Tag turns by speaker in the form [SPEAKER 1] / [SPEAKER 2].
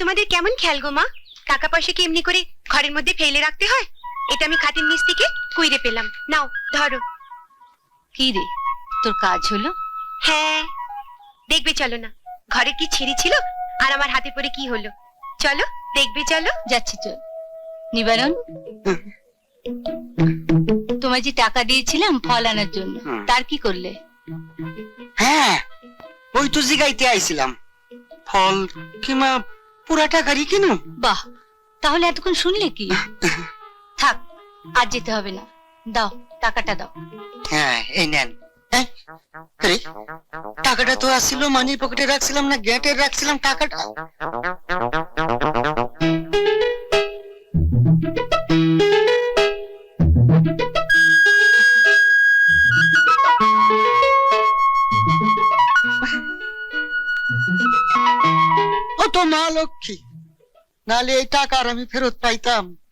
[SPEAKER 1] তোমাদের কেমন খেয়াল গো মা? টাকা পয়সা কি এমনি করে ঘরের মধ্যে ফেলে রাখতে হয়? এটা আমি খাতির নিচ থেকে কুইরে পেলাম, নাও ধরো।
[SPEAKER 2] কি রে, তোর কাজ হলো?
[SPEAKER 1] হ্যাঁ, দেখবে চলো না, ঘরে কি ছিঁড়ি ছিল আর আমার হাতে পড়ে কি হলো। চলো দেখবে, চলো।
[SPEAKER 2] যাচ্ছি, চল। নিবারণ, তোমায় যে টাকা দিয়েছিলাম ফল আনার জন্য, তার কি করলে?
[SPEAKER 3] হ্যাঁ, ওই তো জিগাইতে আইছিলাম, ফল কিমা পুরা টাকারই কিনু।
[SPEAKER 2] বাহ, তাহলে এতক্ষণ শুনলে কি? থাক, আজ যেতে হবে না, দাও টাকাটা দাও।
[SPEAKER 3] হ্যাঁ, এই নেন। আরে, টাকাটা তো আসছিল মানি পকেটে রাখছিলাম না গেটে রাখছিলাম টাকাটা? ও তো মা লক্ষ্মী, নালে এই টাকা আর আমি ফেরত পাইতাম?